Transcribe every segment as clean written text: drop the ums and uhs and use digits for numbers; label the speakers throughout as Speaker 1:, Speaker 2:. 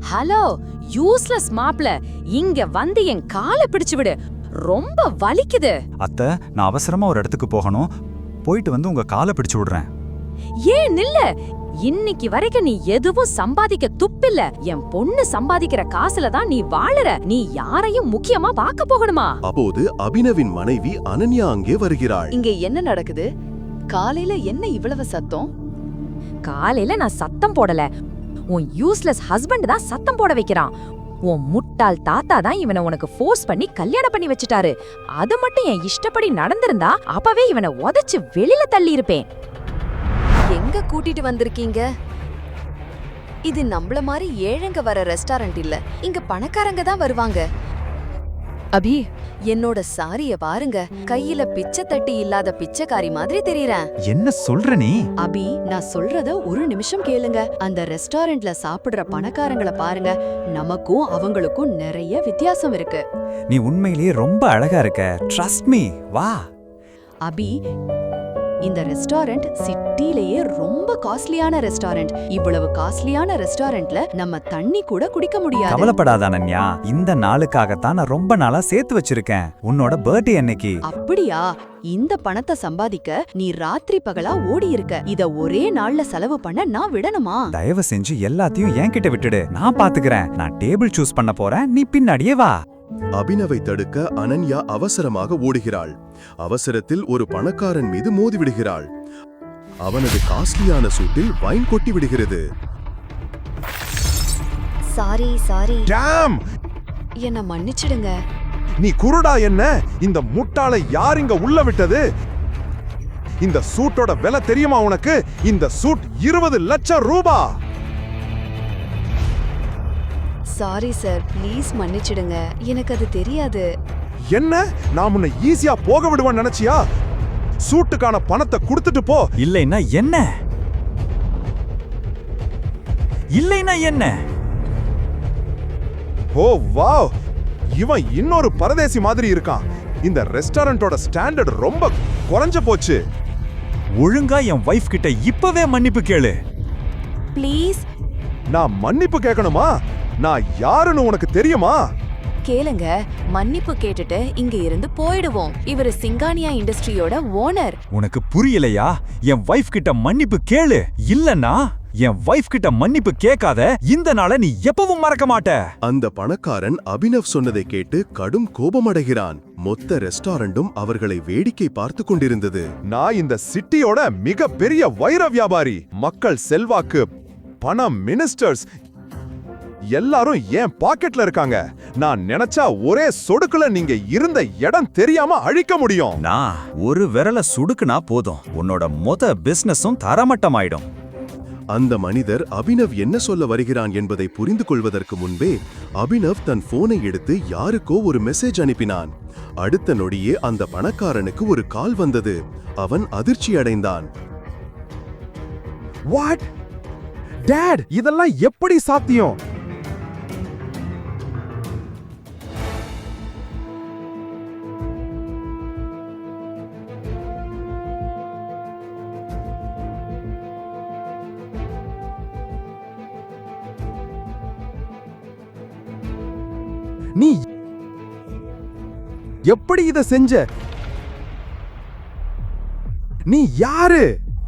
Speaker 1: Hello, useless மாப்ள, இங்க வந்து என் காலை பிடிச்சு விடு. ரொம்ப வலிக்குது.
Speaker 2: அத்தை, நான் அவசரமா ஒரு இடத்துக்கு போகணும். போயிட்டு வந்து உங்க காலை பிடிச்சு விடுறேன்.
Speaker 1: ஏன் நில்ல? இன்னைக்கு வரைக்கும் நீ எதுவும் சம்பாதிக்க துப்பில்ல. என் பொண்ணு சம்பாதிக்கிற காசுல தான் நீ வாழற. நீ யாரையும் முக்கியமா பார்க்க போகணுமா?
Speaker 3: அப்போது அபினவின் மனைவி அனன்யா அங்கே வருகிறாள்.
Speaker 4: இங்க என்ன நடக்குது? காலையில என்ன இவ்வளவு சத்தம்?
Speaker 1: காலையில நான் சத்தம் போடல. உன் யூஸ்லெஸ் ஹஸ்பண்ட் தான் சத்தம் போட வைக்கிறான். உன் முட்டாள் தாத்தா தான் இவனை உனக்கு ஃபோர்ஸ் பண்ணி கல்யாணம் பண்ணி வச்சுட்டாரு. அது மட்டும் என் இஷ்டப்படி நடந்திருந்தா அப்பவே இவனை உதைச்சு வெளியில தள்ளி இருப்பேன்.
Speaker 4: எங்க கூட்டிட்டு வந்திருக்கீங்க? இது நம்மள மாதிரி ஏழைங்க வர ரெஸ்டாரண்ட் இல்ல. இங்க பணக்காரங்க தான் வருவாங்க. அபி, என்னோட சாரிய பாருங்க. கையில பிச்சை தட்டி இல்லாத பிச்சைக்காரி மாதிரி தெரியறேன்.
Speaker 2: என்ன சொல்ற நீ?
Speaker 4: அபி, நான் சொல்றத ஒரு நிமிஷம் கேளுங்க. அந்த ரெஸ்டாரண்ட்ல சாப்பிடுற பணக்காரங்கள பாருங்க. நமக்கும் அவங்களுக்கும் நிறைய வித்தியாசம் இருக்கு.
Speaker 2: நீ உண்மையிலேயே ரொம்ப அழகா இருக்க. ட்ரஸ்ட் மீ, வா.
Speaker 4: அபி, இந்த ரெஸ்டாரண்ட் சிட்டிலேயே ரொம்ப காஸ்ட்லியான ரெஸ்டாரண்ட். இவ்வளவு காஸ்ட்லியான ரெஸ்டாரண்ட்ல நம்ம தண்ணி கூட குடிக்க முடியாது.
Speaker 2: கவலைப்படாத அனன்யா, இந்த நாளுக்காகத்தான் நான் ரொம்ப நாளா சேர்த்து வச்சிருக்கேன். உன்னோட பர்த்டே அன்னைக்கு.
Speaker 4: அப்படியா? இந்த பணத்தை சம்பாதிக்க நீ ராத்திரி பகலா ஓடி இருக்க. இத ஒரே நாள்ல செலவு பண்ண நான் விடணுமா?
Speaker 2: தயவு செஞ்சு எல்லாத்தையும் என்கிட்ட விட்டுடு. நான் பாத்துக்கிறேன். நான் டேபிள் சூஸ் பண்ண போறேன், நீ பின்னாடியே வா.
Speaker 3: அபினவை தடுக்க அனன்யா அவசரமாக ஓடுகிறாள். அவசரத்தில் ஒரு பணக்காரன் மீது மோதிவிடுகிறாள். அவனது காஸ்ட்லியான சூட்டில் வைன் கொட்டி விடுகிறது.
Speaker 4: சாரி.
Speaker 5: டாம்!
Speaker 4: என்ன மன்னிச்சிடுங்க.
Speaker 5: நீ குருடா என்ன? இந்த முட்டாளை யார் இங்க உள்ள விட்டது? இந்த சூட்டோட விலை தெரியுமா உனக்கு? இந்த சூட் 20 லட்சம் ரூபாய்.
Speaker 4: சாரி சார், ப்ளீஸ் மன்னிச்சிடுங்க. எனக்கு அது தெரியாது.
Speaker 5: என்ன? நான் உன்னை ஈஸியா போக விடுவேன்னு நினைச்சியா? சூட்டுக்கான பணத்தை கொடுத்துட்டு போ.
Speaker 2: இல்லைன்னா என்ன?
Speaker 5: ஓ வாவ், இவன் இன்னொரு பரதேசி மாதிரி இருக்கான். இந்த ரெஸ்டாரண்டோட ஸ்டாண்டர்ட் ரொம்ப குறைஞ்சு போச்சு.
Speaker 2: ஒழுங்கா என் வைஃப் கிட்ட இப்பவே மன்னிப்பு கேளு.
Speaker 4: ப்ளீஸ்.
Speaker 5: நான் மன்னிப்பு கேட்கணுமா? நான் யாருன்னு உனக்கு தெரியுமா?
Speaker 4: கேளுங்க, மன்னிப்பு கேட்டுட்டு இங்க இருந்து போயிடுவோம். இவரு சிங்கானியா இண்டஸ்ட்ரியோட ஓனர்.
Speaker 2: உனக்கு புரியலையா? என் வைஃப் கிட்ட மன்னிப்பு கேளு. இல்லன்னா என் வைஃப் கிட்ட மன்னிப்பு கேட்காத இந்த நாளை நீ எப்பவும் மறக்க மாட்ட.
Speaker 3: அந்த பணக்காரன் அபினவ் சொன்னதை கேட்டு கடும் கோபமடைகிறான். மொத்த ரெஸ்டாரண்டும் அவர்களை வேடிக்கை பார்த்து கொண்டிருந்தது.
Speaker 5: நான் இந்த சிட்டியோட மிக பெரிய வைர வியாபாரி. மக்கள் செல்வாக்கு, பணம், மினிஸ்டர்ஸ் எல்லாரும் என் பாக்கெட்ல இருக்காங்க. நான் நினைச்சா ஒரே சொடுக்குல நீங்க இருந்த இடம் தெரியாம அழிக்க முடியும்.
Speaker 2: நான் ஒரு விரல சுடுக்குனா போதும், உன்னோட மொத்த பிசினஸும் தரமட்டமாயிடும்.
Speaker 3: அந்த மனிதர் அபினவ் என்ன சொல்ல வருகிறான் என்பதை புரிந்து கொள்வதற்கு முன்பே அபினவ் தன் போனை எடுத்து யாருக்கோ ஒரு மெசேஜ் அனுப்பினான். அடுத்த நொடியே அந்த பணக்காரனுக்கு ஒரு கால் வந்தது. அவன் அதிர்ச்சி அடைந்தான்.
Speaker 5: வாட்? டாட், இதெல்லாம் எப்படி சாத்தியம்? நீ எப்படி இத செஞ்ச? நீ யாரு?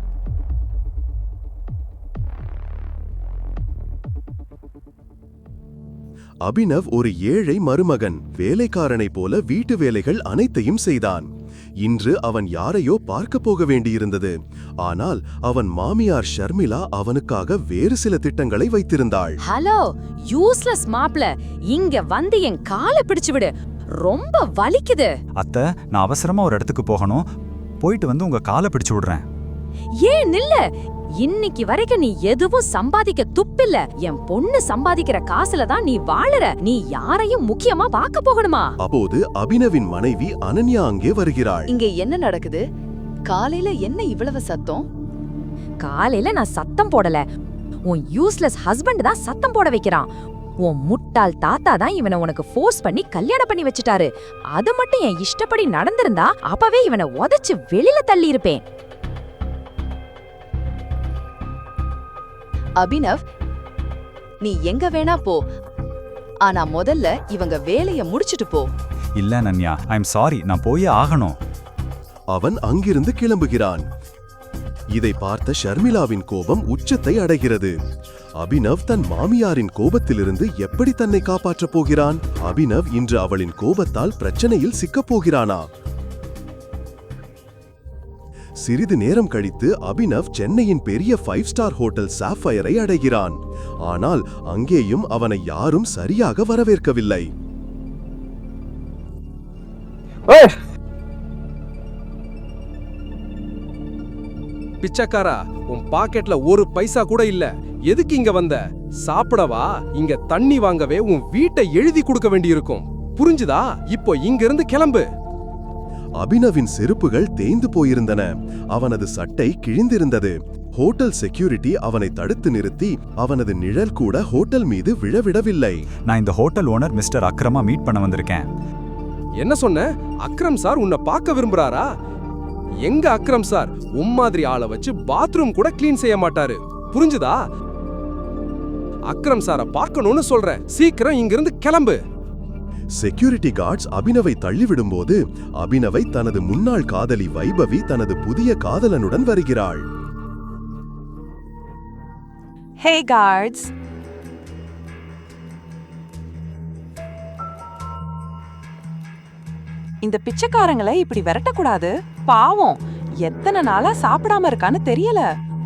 Speaker 3: அபினவ் ஒரு ஏழை மருமகன். வேலைக்காரனை போல வீட்டு வேலைகள் அனைத்தையும் செய்தான். இன்று அவன் யாரையோ பார்க்க போக வேண்டியிருந்தது. ஆனால் அவன் மாமியார் ஷர்மிளா அவனுக்காக வேறு சில திட்டங்களை வைத்திருந்தாள்.
Speaker 1: ஹலோ, யூஸ்லெஸ் மாப்ள, இங்க வந்து என் காலை பிடிச்சு விடு. ரொம்ப வலிக்குது.
Speaker 2: அத்தை, நான் அவசரமா ஒரு இடத்துக்கு போகணும். போயிட்டு வந்து உங்க காலை பிடிச்சு விடுறேன்.
Speaker 1: ஏன் நில்ல? இன்னைக்கு வரைக்கும் நீ எதுவும் சம்பாதிக்க துப்பில்ல. என் பொண்ணு சம்பாதிக்கிற காசுல தான் நீ வாழற. நீ யாரையும் முக்கியமா பார்க்க போகணுமா?
Speaker 3: அப்போது அபினவின் மனைவி அனன்யா அங்கே வருகிறாள்.
Speaker 4: இங்க என்ன நடக்குது? காலையில என்ன இவ்வளவு சத்தம்?
Speaker 1: காலையில நான் சத்தம் போடல. உன் யூஸ்லெஸ் ஹஸ்பண்ட் தான் சத்தம் போட வைக்கிறான். உன் முட்டாள் தாத்தா தான் இவனை உனக்கு ஃபோர்ஸ் பண்ணி கல்யாணம் பண்ணி வச்சுட்டாரு. அது மட்டும் என் இஷ்டப்படி நடந்திருந்தா அப்பவே இவனை உதைச்சு வெளியில தள்ளி இருப்பேன்.
Speaker 4: அபினவ், நீ எங்க வேணா போ, ஆனா முதல்ல இவங்க வேலைய முடிச்சிட்டு போ.
Speaker 2: இல்ல அனன்யா, ஐம் சாரி, நான் போயே ஆகணும்.
Speaker 3: அவன் அங்கிருந்து கிளம்புகிறான். இதை பார்த்த ஷர்மிளாவின் கோபம் உச்சத்தை அடைகிறது. அபினவ் தன் மாமியாரின் கோபத்திலிருந்து எப்படி தன்னை காப்பாற்றப் போகிறான்? அபினவ் இன்று அவளின் கோபத்தால் பிரச்சனையில் சிக்கப் போகிறானா? சிறிது நேரம் கழித்து அபினவ் சென்னையின் பெரிய 5 ஸ்டார் ஹோட்டல் சாஃபயரை அடைகிறான். ஆனால் அங்கேயும் அவனை யாரும் சரியாக வரவேற்கவில்லை.
Speaker 6: பிச்சைக்காரா, உன் பாக்கெட்ல ஒரு பைசா கூட இல்ல, எதுக்கு இங்க வந்த? சாப்பிடவா? இங்க தண்ணி வாங்கவே உன் வீட்டை எழுதி கொடுக்க வேண்டியிருக்கும், புரிஞ்சுதா? இப்போ இங்க இருந்து கிளம்பு.
Speaker 3: அபினவின் செருப்புகள் தேய்ந்து போயிருந்தன. அவனது சட்டை கிழிந்திருந்தது. ஹோட்டல் செக்யூரிட்டி அவனை தடுத்து நிறுத்தி அவனது நிழல் கூட ஹோட்டல் மீது விழவிடவில்லை.
Speaker 2: நான் இந்த ஹோட்டல் ஓனர் மிஸ்டர் அக்ரமா மீட் பண்ண வந்திருக்கேன்.
Speaker 6: என்ன சொன்ன? அக்ரம் சார் உன்னை பார்க்க விரும்புறாரா? எங்க அக்ரம் சார் மாதிரி ஆளை வச்சு பாத்ரூம் கூட கிளீன் செய்ய மாட்டாரு, புரிஞ்சுதா? அக்ரம் சாரை பார்க்கணும்னு சொல்றேன், சீக்கிரம் இங்கிருந்து கிளம்பு.
Speaker 3: செக்யூரிட்டி கார்ட்ஸ் அபினவை தள்ளிவிடும்போது அபினவை தனது முன்னாள் காதலி வைபவி தனது புதிய காதலனுடன் வருகிறாள்.
Speaker 7: Hey guards. இந்த பிச்சைக்காரங்களை இப்படி விரட்டக்கூடாது. பாவம், எத்தனை நாளா சாப்பிடாம இருக்கான்னு தெரியல.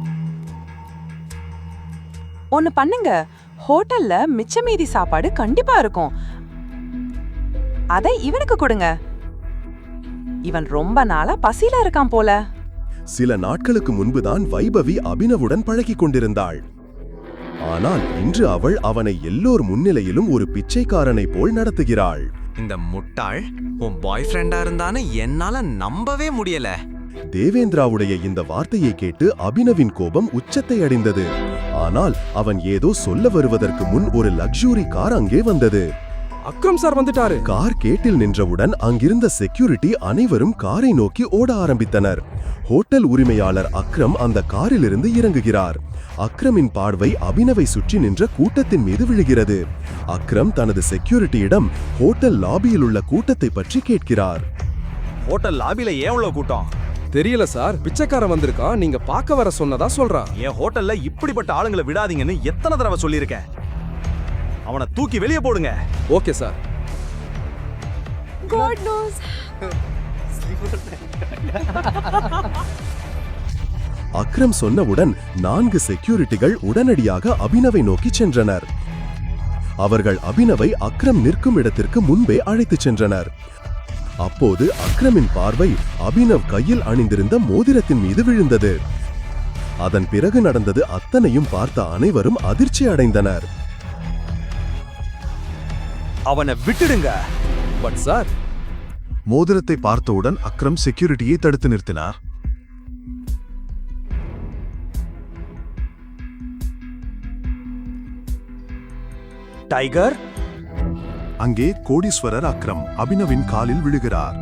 Speaker 7: ஒன்னு பண்ணுங்க, ஹோட்டல்ல மிச்ச மீதி சாப்பாடு கண்டிப்பா இருக்கும், அதை இவனுக்கு கொடுங்க. இவன் ரொம்ப நாளா பசியில இருக்கான் போல.
Speaker 3: சில நாட்களுக்கு முன்புதான் வைபவி அபினவுடன் பழகிக் கொண்டிருந்தாள். ஆனால் இன்று அவள் அவனை எல்லோர் முன்னிலையிலும் ஒரு பிச்சைக்காரனை போல் நடத்துகிறாள்.
Speaker 8: இந்த முட்டாள் உன் பாய் ஃப்ரெண்டா இருந்தான்னு என்னால நம்பவே முடியல.
Speaker 3: தேவேந்திராவுடைய இந்த வார்த்தையை கேட்டு அபினவின் கோபம் உச்சத்தை அடைந்தது. ஆனால் அவன் ஏதோ சொல்ல வருவதற்கு முன் ஒரு லக்ஸுரி கார் அங்கே வந்தது.
Speaker 6: அக்ரம் சார் வந்துட்டாரு.
Speaker 3: கார் கேட்டில் நின்றவுடன் அங்கிருந்த செக்யூரிட்டி அனைவரும் காரை நோக்கி ஓட ஆரம்பித்தனர். ஹோட்டல் உரிமையாளர் அக்ரம் அந்த காரிலிருந்து இறங்குகிறார். அக்ரமின் பார்வை அபினவை சுற்றி நின்ற கூட்டத்தின் மீது விழுகிறது. அக்ரம் தனது செக்யூரிட்டியிடம் ஹோட்டல் லாபியில் உள்ள கூட்டத்தை பற்றி கேட்கிறார்.
Speaker 8: ஹோட்டல் லாபில ஏன் இவ்வளவு கூட்டம்?
Speaker 6: தெரியல சார், பிச்சைக்காரன் வந்திருக்கான், நீங்க பார்க்க வர சொன்னதா சொல்றான்.
Speaker 8: என் ஹோட்டல்ல இப்படிப்பட்ட ஆளுங்களை விடாதீங்கன்னு எத்தனை தடவை சொல்லியிருக்கேன். அவனை தூக்கி வெளியே போடுங்க.
Speaker 6: Okay sir.
Speaker 7: God knows.
Speaker 3: Akram சொன்னவுடன் 4 செக்யூரிட்டிகள் உடனடியாக அபினவை நோக்கி சென்றனர். அவர்கள் அபினவை அக்ரம் நிற்கும் இடத்திற்கு முன்பே அழைத்துச் சென்றனர். அப்போது அக்ரமின் பார்வை அபினவ் கையில் அணிந்திருந்த மோதிரத்தின் மீது விழுந்தது. அதன் பிறகு நடந்தது அத்தனையும் பார்த்த அனைவரும் அதிர்ச்சி அடைந்தனர்.
Speaker 8: அவனை விட்டுடுங்க.
Speaker 6: பட் சார்,
Speaker 3: மோதிரத்தை பார்த்தவுடன் அக்ரம் செக்யூரிட்டியை தடுத்து நிறுத்தினார்.
Speaker 8: டைகர்,
Speaker 3: அங்கே கோடீஸ்வரர் அக்ரம் அபினவின் காலில் விழுகிறார்.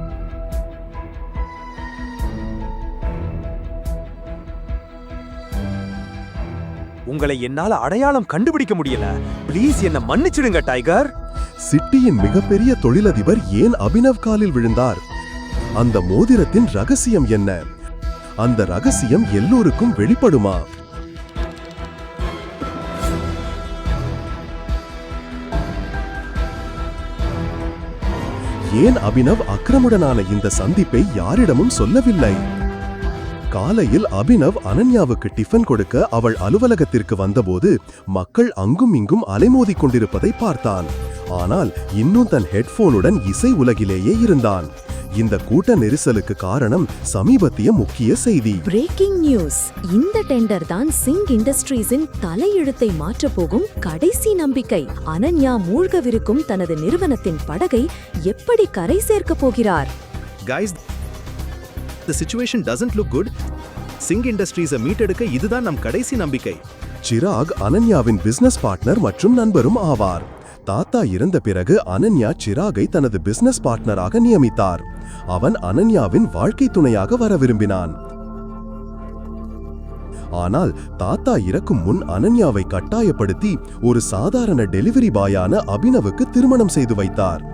Speaker 8: உங்களை என்னால அடையாளம் கண்டுபிடிக்க முடியல. ப்ளீஸ் என்ன மன்னிச்சிடுங்க டைகர்.
Speaker 3: சிட்டியின் மிகப்பெரிய தொழிலதிபர் ஏன் அபினவ் காலில் விழுந்தார்? அந்த மோதிரத்தின் ரகசியம் என்ன? அந்த ரகசியம் எல்லோருக்கும் வெளிப்படுமா? ஏன் அபினவ் அக்ரமுடனான இந்த சந்திப்பை யாரிடமும் சொல்லவில்லை? காலையில் அபினவ் அனன்யாவுக்கு டிஃபன் கொடுக்க அவள் அலுவலகத்திற்கு வந்தபோது மக்கள் அங்கும் இங்கும் அலைமோதிக் கொண்டிருப்பதை பார்த்தான். ஆனால் இன்னும் தன் ஹெட்போனுடன் இசை உலகிலேயே இருந்தான். இந்த கூட்ட நெரிசலுக்கு காரணம் சமீபத்திய முக்கிய செய்தி.
Speaker 9: Breaking news. இந்த டெண்டர் தான் சிங் இண்டஸ்ட்ரீஸின் தலையெழுத்தை மாற்றப் போகும் கடைசி நம்பிக்கை. அனன்யா மூழ்கவிருக்கும் தனது நிறுவனத்தின் படகை எப்படி கரை சேர்க்க போகிறார்?
Speaker 10: Guys, the situation doesn't look good. Singh இண்டஸ்ட்ரீஸை மீட்டெடுக்க இதுதான் நம் கடைசி நம்பிக்கை.
Speaker 3: சிராக் அனன்யாவின் பிசினஸ் பார்ட்னர் மற்றும் நண்பரும் ஆவார். தாத்தா இறந்த பிறகு அனன்யா சிராகை தனது பிசினஸ் பார்ட்னராக நியமித்தார். அவன் அனன்யாவின் வாழ்க்கை துணையாக வர விரும்பினான். ஆனால் தாத்தா இறக்கும் முன் அனன்யாவை கட்டாயப்படுத்தி ஒரு சாதாரண டெலிவரி பாயான அபினவுக்கு திருமணம் செய்து வைத்தார்.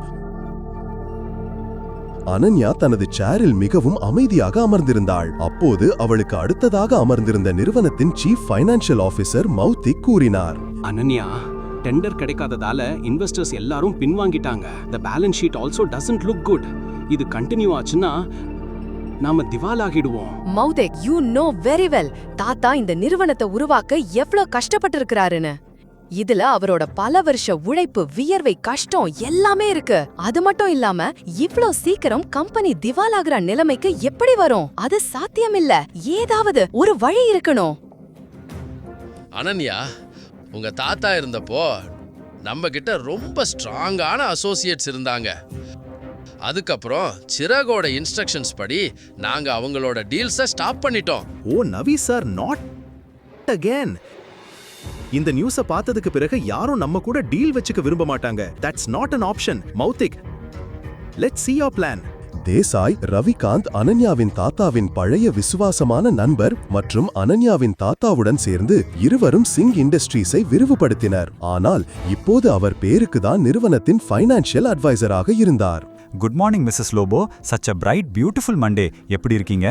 Speaker 3: அனன்யா தனது சேரில் மிகவும் அமைதியாக அமர்ந்திருந்தாள். அப்போது அவளுக்கு அடுத்ததாக அமர்ந்திருந்த நிறுவனத்தின் சீஃப் ஃபைனான்சியல் ஆபீசர் மௌத்திக் கூறினார்,
Speaker 11: அனன்யா, டெண்டர் கிடைக்காததால இன்வெஸ்டர்ஸ் எல்லாரும் பின்வாங்கிட்டாங்க. The balance sheet also doesn't look good. இது கண்டினியூ ஆச்சுன்னா நாம திவாலாகிடுவோம்.
Speaker 4: Mouthik, you know very well தாத்தா இந்த நிறுவனத்தை உருவாக்க எவ்வளவு கஷ்டப்பட்டு இருக்கிறாருன்னு. இதுல அவரோட பல வருஷ உழைப்பு, வியர்வை, கஷ்டம் எல்லாமே இருக்கு. அது மட்டும் இல்லாம இவ்ளோ சீக்கிரம் கம்பெனி திவாலாகிற நிலைமைக்கு எப்படி வரும்? அது சாத்தியமில்ல. ஏதாவது ஒரு வழி இருக்கணும்.
Speaker 12: அனன்யா, உங்க தாத்தா இருந்தப்போ நம்ம கிட்ட ரொம்ப ஸ்ட்ராங்கான அசோசியேட்ஸ் இருந்தாங்க. அதுக்கப்புறம் சிராகோட இன்ஸ்ட்ரக்ஷன்ஸ் படி நாங்க அவங்களோட டீல்ஸை ஸ்டாப் பண்ணிட்டோம்.
Speaker 10: Oh Navi sir, not again. இந்த நியூஸை பார்த்ததுக்கு பிறகு யாரும் நம்ம கூட டீல் வச்சுக்க விரும்ப மாட்டாங்க. That's not an option. Mouthik, let's see your plan.
Speaker 3: Desai, Ravikanth அனன்யாவின் தாத்தாவின் பழைய விசுவாசமான நண்பர் மற்றும் அனன்யாவின் தாத்தாவுடன் சேர்ந்து இருவரும் சிங் இண்டஸ்ட்ரீஸை விரிவுபடுத்தினர். ஆனால் இப்போது அவர் பேருக்கு தான் நிறுவனத்தின் ஃபைனான்சியல் அட்வைசராக இருந்தார்.
Speaker 2: Good morning Mrs Lobo. Such a bright beautiful Monday. எப்படி இருக்கீங்க?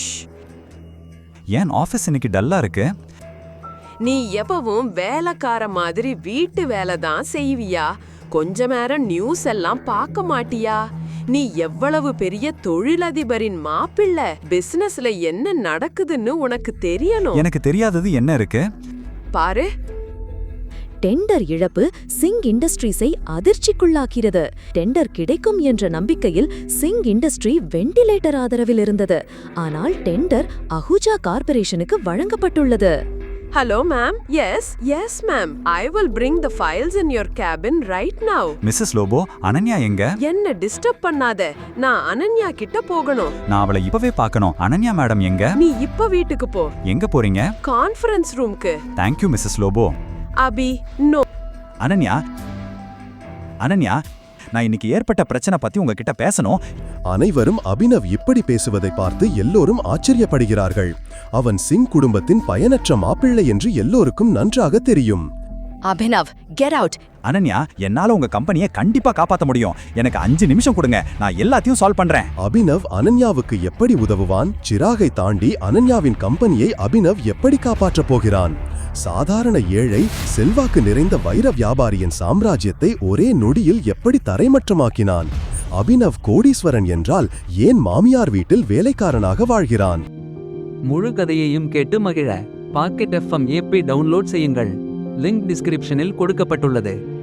Speaker 2: ஏன் ஆஃபீஸ் இன்னைக்கு டல்லா இருக்கு?
Speaker 7: நீ எப்பவும் வேலைக்கார மாதிரி வீட்டு வேலை தான் செய்வியா? கொஞ்ச நேரம் நியூஸ் எல்லாம் பார்க்க மாட்டியா? நீ எவ்வளவு பெரிய தொழிலதிபரின் மாப்பிள்ளை. பிசினஸ்ல என்ன நடக்குதுன்னு உனக்கு தெரியணும்.
Speaker 2: எனக்கு தெரியாதது என்ன இருக்கு?
Speaker 7: பாரு,
Speaker 9: டெண்டர் இழப்பு சிங் இண்டஸ்ட்ரீஸை அதிர்ச்சிக்குள்ளாக்கிறது. டெண்டர் கிடைக்கும் என்ற நம்பிக்கையில் சிங் இண்டஸ்ட்ரி வெண்டிலேட்டர் ஆதரவில் இருந்தது. ஆனால் டெண்டர் அஹூஜா கார்ப்பரேஷனுக்கு வழங்கப்பட்டுள்ளது.
Speaker 7: Hello ma'am. Yes ma'am. I will bring the files in your cabin right now.
Speaker 2: Mrs Lobo, Ananya எங்க?
Speaker 7: என்ன டிஸ்டர்ப் பண்ணாத. நான் அனன்யா கிட்ட போகணும்.
Speaker 2: நான் அவளை இப்பவே பார்க்கணும். அனன்யா மேடம் எங்க?
Speaker 7: நீ இப்ப வீட்டுக்கு போ.
Speaker 2: எங்க போறீங்க?
Speaker 7: கான்ஃபரன்ஸ் ரூம்க்கு.
Speaker 2: Thank you Mrs Lobo.
Speaker 7: Abhi, no.
Speaker 2: Ananya, நான் இன்னைக்கு ஏற்பட்ட பிரச்சனை பத்தி உங்ககிட்ட பேசணும்.
Speaker 3: அனைவரும் அபினவ் இப்படி பேசுவதை பார்த்து எல்லோரும் ஆச்சரியப்படுகிறார்கள். அவன் சிங் குடும்பத்தின் பயனற்ற மாப்பிள்ளை என்று எல்லோருக்கும் நன்றாக தெரியும்.
Speaker 4: Abhinav, get out.
Speaker 2: அனன்யா, என்னால உங்க கம்பெனியை கண்டிப்பா காப்பாத்த முடியும். எனக்கு 5 நிமிஷம் கொடுங்க, நான் எல்லாத்தையும் சால்வ் பண்றேன்.
Speaker 3: அபினவ் அனன்யாவுக்கு எப்படி உதவுவான்? சிராகை தாண்டி அனன்யாவின் கம்பெனியை அபினவ் எப்படி காப்பாற்றப் போகிறான்? சாதாரண ஏழை, செல்வாக்கு நிறைந்த வைர வியாபாரியின் சாம்ராஜ்யத்தை ஒரே நொடியில் எப்படி தரைமட்டமாக்கினான்? அபினவ் கோடீஸ்வரன் என்றால் ஏன் மாமியார் வீட்டில் வேலைக்காரனாக வாழ்கிறான்?
Speaker 13: முழு கதையையும் கேட்டு மகிழ பாக்கெட் FM ஆப்பை டவுன்லோட் செய்யுங்கள். லிங்க் டிஸ்கிரிப்ஷனில் கொடுக்கப்பட்டுள்ளது.